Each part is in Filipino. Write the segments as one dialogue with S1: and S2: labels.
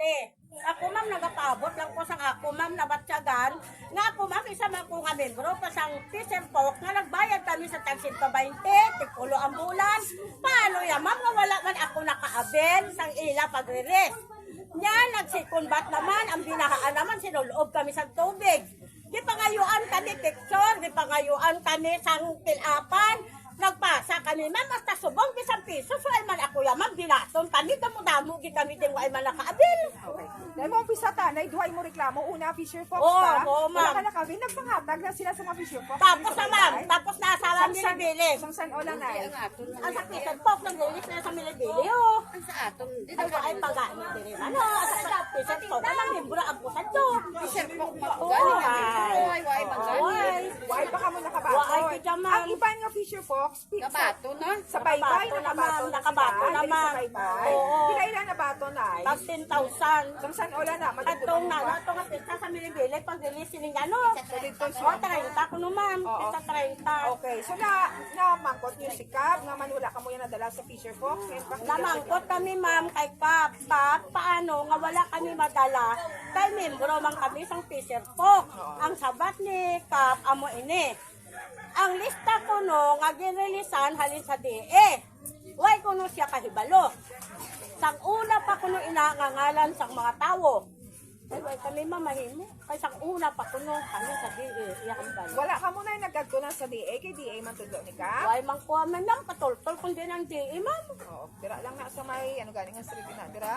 S1: Ako ma'am, nagapabot lang ko sa ako ma'am, nabatsagan. Nga ako ma'am, isa man ko nga membro, pasang Fisher Folk, nga nagbayad kami sa tag 120, tikulo ang bulan. Paano yan ma'am, nga wala man ako nakaabel sang ila pag-release. Nya, nagsikon bat naman, ang binahaan naman, sinuloob kami sa tubig. Di pangayuan kami picture, di pangayuan kami sang tilapan. Nagpasa kami, ma'am, hasta subong bisang piso. So, ay man ako yan, ma'am, binaton kami, damo-damo, kami din, ay man nakaabil.
S2: Okay. Dahil mo umpisa tanay, duhay mo reklamo. Una, Fisher Fox
S1: Oo,
S2: ka.
S1: oo, ma'am.
S2: Wala ka nakawin, nagpanghatag na sila sa mga Fisher Fox.
S1: Tapos na ma'am, tapos na asawa Milibili.
S2: Sang san o lang na
S1: Ang sa Fisher Folk, nag-release na sa Milibili, oh.
S3: Ang sa aton, di
S1: Ay, ay pag-aanit din. Ano, sa Fisher Folk, ang membro ang pusan to.
S3: Fisher Folk
S1: Oo,
S3: magkano.
S1: ay.
S3: Why magkano.
S1: Ay,
S2: Why pa ka mo nakabaton?
S1: Why ka dyan, ma'am?
S2: Ang iba nga Fisher Fox,
S3: Kabato na.
S2: sa baybay,
S1: Nakabato
S2: nakabato
S1: na, nakabato
S2: sila.
S1: naman.
S2: Sa baybay.
S1: Oo.
S2: Kinailan na bato na ay.
S1: pag 10,000.
S2: Sang san o lang na,
S1: Atong na, atong nga pista sa Milibili, pag-release ni ano. O, 30 ko naman.
S2: Oo.
S1: Pista 30.
S2: Okay, so na-mangkot niyo si Cab, nga manula ka mo yan nadala sa Fisher Fox.
S1: Namangkot kami ma'am kay Kap. Paano nga wala kami madala kay membro man kami sang Fisher Folk. Ang sabat ni Kap amo ini. Ang lista ko no nga ginreleasan halin sa DE. Why kuno siya kahibalo. Sang una pa kuno inangangalan sang mga tawo. Ay, why kami mamahimo. Kay sang una pa kuno halin sa DE. Iya kahibalo.
S2: Wala ka muna yung nagkagtunan sa DA, kay DA man tudlo ni Cab.
S1: Why man ko man nang patultol kun din ang DE ma'am.
S2: Oo, dira lang na sa may, ano galing ang street na, dira?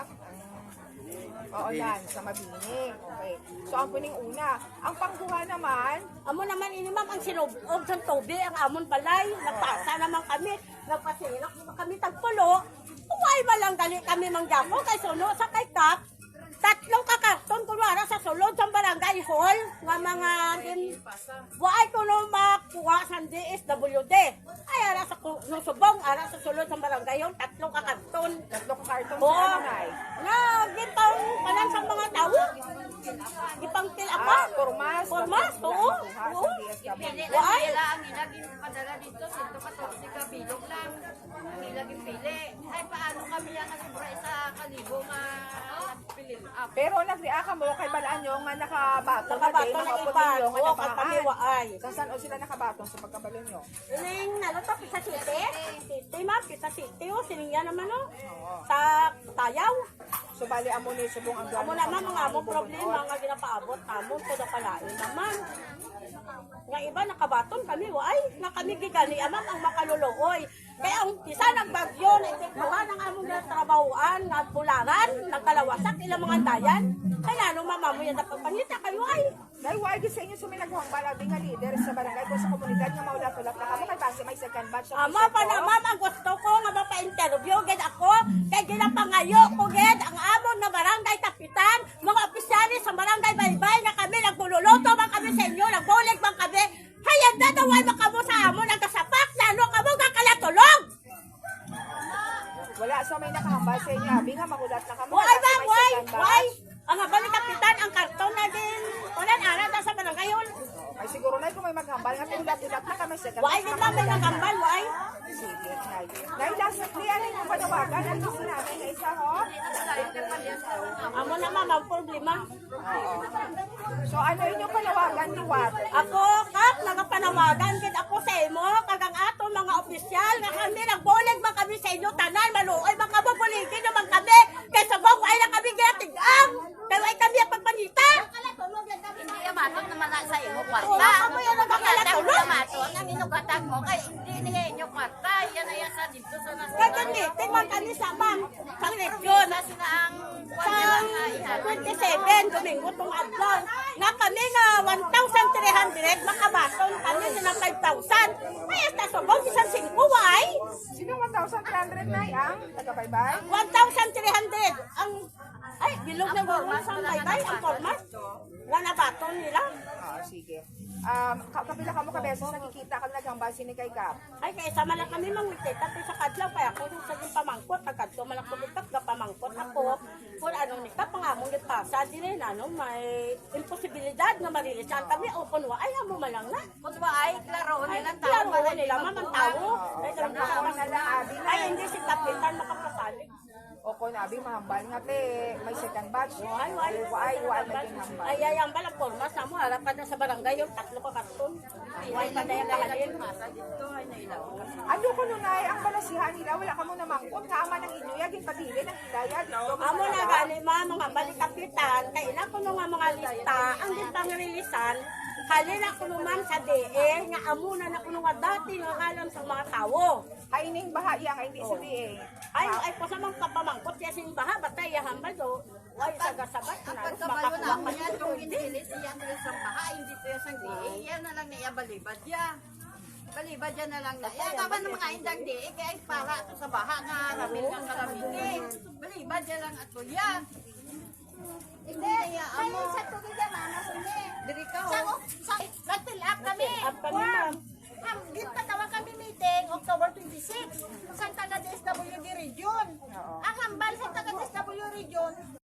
S2: Oo, yan, sa Mabini. Okay. So, ang puning una. Ang pangkuha naman,
S1: Amo naman ini ma'am ang sinubob sa tubig ang amon balay. Nagpasa naman kami. Nagpasilak naman kami tagpulo. Uway malang dali kami manggamo kay suno sa kay Kap. Tatlong kakarton kunwara sa sulod sa barangay hall nga mga why kuno makuha sa DSWD. Ay ara sa no subong ara sa sulod sa barangay hall tatlong kakarton.
S2: tatlo ka karton
S1: Oo.
S2: sa ano ay.
S1: Na gipang panan sa mga tawo. Gipang til apa?
S2: Formas.
S1: Formas, oo. Oo.
S3: Pili lang
S1: Why?
S3: nila ang ilaging padala dito, 114 ka bilog lang. Ang ilaging pili. Ay, paano kami yan nasubra sa kalibo nga pili up?
S2: Pero nag-react ka mo kay balaan nyo nga nakabato na
S1: Nakabato
S2: din,
S1: na
S2: mga
S1: iba.
S2: putilyo nga
S1: Oo, kay kami
S2: napakaan.
S1: waay.
S2: Sa saan o sila nakabatong sa pagkabalo nyo?
S1: Ining nalata Pisa City. City ma'am, Pisa City o siningya naman o.
S2: Oo.
S1: Sa Tayaw.
S2: So, bali amo ni subong ang
S1: Amo naman mga among problema nga ginapaabot amon ko na palain naman. Nga iba nakabaton kami waay. Nga kami gigani amam ang makaluluoy. Kaya ang isa nagbagyo na itikbuhan ang among trabahoan nga bulangan, nagkalawasak ilang mga dayan. Kaya ano mama mo yan napapangita kayo ay.
S2: Dahil why sa inyo suminagwang balabi nga leader sa barangay ko sa komunidad nga maulat-ulat na kamo kay base may second batch sa
S1: Ama pa na ma'am, ang gusto ko nga mapa-interview gid ako kay ginapangayo ko gid ang amon na barangay kapitan, mga opisyalis sa barangay Baybay na kami nagluluto man kami sa inyo, nagbulig man kami. Hayag na daway makamo sa amon ang kasapak na ano kamo kalatulog.
S2: Wala sa may nakahambal sa inyo, abi nga magulat na kamo.
S1: Why
S2: kay base
S1: ma'am,
S2: may
S1: why?
S2: second batch.
S1: Why? Ang habal ni kapitan ang karton na din. Wala na na sa barangay hall.
S2: Ay siguro na kung may maghambal nga ulat-ulat na kami second
S1: Why
S2: batch
S1: din
S2: na
S1: namin
S2: magulat.
S1: nagambal, why?
S2: Sige, Nay. Nay, last na clear yung panawagan. Ang gusto namin na isa, ho?
S1: Amo na ma'am, ang problema.
S2: So, ano yung panawagan ni Wat?
S1: Ako, Kap, nagapanawagan gid ako sa imo, kagang ato mga opisyal, nga kami nagbulig man kami sa inyo, tanan, maluoy, mga mabuligin naman kami, kaysa bang ay na kami ginatig-ang, kaya ay kami ang pagpanita.
S3: Hindi amaton naman na sa imo kwarta.
S1: Oo, kamo yan ang
S3: Pagkatang
S1: kakalatulog.
S3: amaton, ang inugatag mo, kay hindi niya inyo kwarta. Yan ay sa dito sa nasa.
S1: Kaya meeting man kami sa ma'am, sa region,
S3: Sa sila ang
S1: sa
S3: kwarta nga ihalon.
S1: 27, Domingo, tong adlaw, nga kami nga 1,300, makabaton kami na 5,000. Ay, hasta subong, isang 5, why?
S2: Sino 1,300 na ang taga-baybay?
S1: 1,300 ang ay bilog na gawin sa baybay ang format nga nabaton nila
S2: Sige. Kapila ka mo kabeses, nakikita ka naghambal sini kay Kap.
S1: ay kaysa man lang kami mangwiti tapi sa kadlaw kaya ako sa yung pamangkot pagkadto man ako bitak ga pamangkot ako kung ano ni ka pangamong gitpasa dinay ano may imposibilidad nga marilisan kami open wa ay amo man lang na
S3: Kung ba ay klaro
S1: ay
S3: nilang
S1: klaro
S3: tao.
S1: nila mamang tao ay
S2: Ang ako na lang, abi na.
S1: ay hindi si kapitan makapasalig
S2: O kung nabi mahambal nga te, may second batch.
S1: Ay,
S2: na din hambal.
S1: ay, ang balang formas na mo, harap pa na sa barangay yung 3 ka karton. Ay, pa na yung kahalin.
S2: Ano ko nun ay, ang balasihan nila, wala ka mo namangkot, kama ng inyo, yaging pabili ng hidaya dito.
S1: Amo na gani mga balikapitan, kailan ko nga mga lista, ang di pang rilisan, halina ko naman sa DE, nga amo na kuno nga dati nga alam sa mga tao.
S2: Kaining baha yang hindi sa DA.
S1: Ay po sa mga kapamangkot, siya sing baha, batay, hambal do, ay sagasabat,
S3: Ang
S1: na
S3: pagkabalo na
S1: makakuha
S3: yan, yung inilis siya na sa baha, hindi po yung sang diin, yan na lang na balibad ya. Balibad yan na lang na. Yan kapan ng mga indang diin, kaya para ito sa baha nga, ramil kang kalamigin. Balibad yan lang ato yan. Hindi, amo.
S4: Sa tubig yan, mama, hindi.
S3: Diri ka
S4: Sa,
S3: ho.
S4: nag-fill up kami.
S1: Up kami, ma'am.
S4: Git patawag kami meeting, October 26, sa taga DSWD region. Ang hambal sa taga DSWD region,